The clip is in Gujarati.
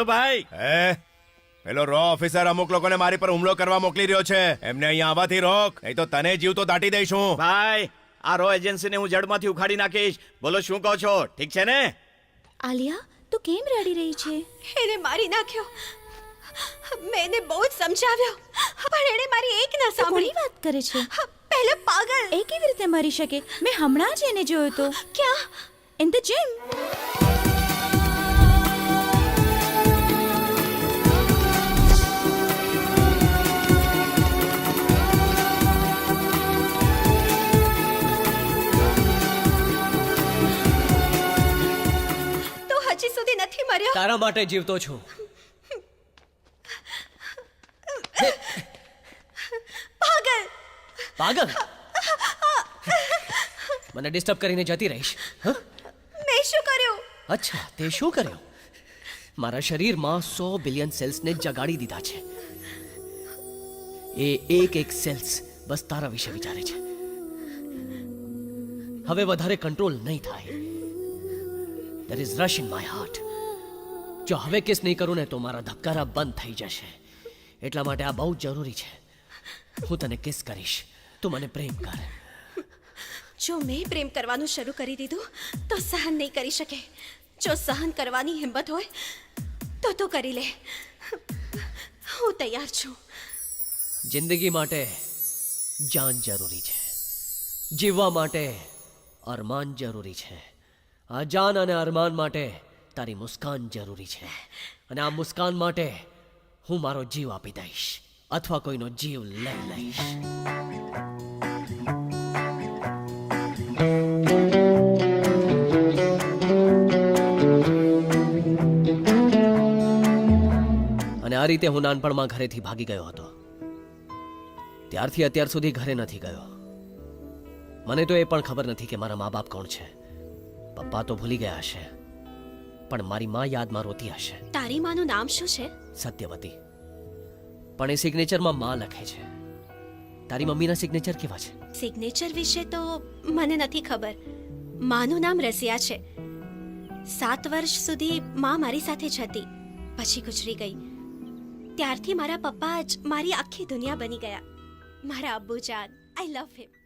બોલો ભાઈ. પેલો રો ઓફિસર અમુક લોકોને મારી પર હુમલો કરવા મોકલી રહ્યો છે. એમને અહીંયા આવવાથી રોક, નહીં તો તને જીવ તો દાટી દઈશું. ભાઈ, આ રો એજન્સીને હું જડમાંથી ઉખાડી નાખીશ. બોલો શું કહો છો? ઠીક છે ને? આલિયા, તું કેમ રડી રહી છે? એને મારી નાખ્યો. મેં એને બહુ જ સમજાવ્યો, પણ એણે મારી એક ના કોની સાંભળી. વાત કરે છે? પહેલો પાગલ. એ કેવી રીતે મરી શકે? મેં હમણાં જ એને જોયો તો. ક્યાં? In the gym. તો હજી સુધી નથી મર્યો. તારા માટે જીવતો છું. પાગલ. પાગલ, મને ડિસ્ટર્બ કરીને જતી રહીશ? હ? મેં શું કર્યું? અચ્છા, તે શું કર્યું? મારા શરીરમાં 100 બિલિયન સેલ્સને જગાડી દીધા છે. એ એક એક સેલ્સ બસ તારા વિશે વિચારે છે. હવે વધારે કંટ્રોલ નહીં થાય. There is rush in my heart. જો હવે કિસ નહીં કરું ને તો મારા ધબકારા બંધ થઈ જશે. એટલા માટે આ બહુ જરૂરી છે. હું તને કિસ કરીશ, તું મને પ્રેમ કર. જો મેં પ્રેમ કરવાનું શરૂ કરી દીધું તો સહન નહીં કરી શકે. જો સહન કરવાની હિંમત હોય તો કરી લે. હું તૈયાર છું. જિંદગી માટે જાન જરૂરી છે. જીવવા માટે અરમાન જરૂરી છે. આ જાન અને અરમાન માટે તારી મુસ્કાન જરૂરી છે. અને આ મુસ્કાન માટે હું મારો જીવ આપી દઈશ, અથવા કોઈનો જીવ લઈ લઈશ. અને આ રીતે હું નાનપણમાં ઘરેથી ભાગી ગયો હતો. ત્યારથી અત્યાર સુધી ઘરે નથી ગયો. મને તો એ પણ ખબર નથી કે મારા મા બાપ કોણ છે. પપ્પા તો ભૂલી ગયા હશે, પણ મારી મા યાદમાં રોતી હશે. તારી માનું નામ શું છે? સત્યવતી. પણ એ સિગ્નેચરમાં મા લખે છે. તારી મમ્મીના સિગ્નેચર કેવા છે? સિગ્નેચર વિશે તો મને નથી ખબર. માનું નામ રસિયા છે. 7 વર્ષ સુધી માં મારી સાથે જ હતી, પછી ગુજરી ગઈ. ત્યારથી મારા પપ્પા જ મારી આખી દુનિયા બની ગયા. મારા અબ્બુજાન, આઈ લવ હિમ.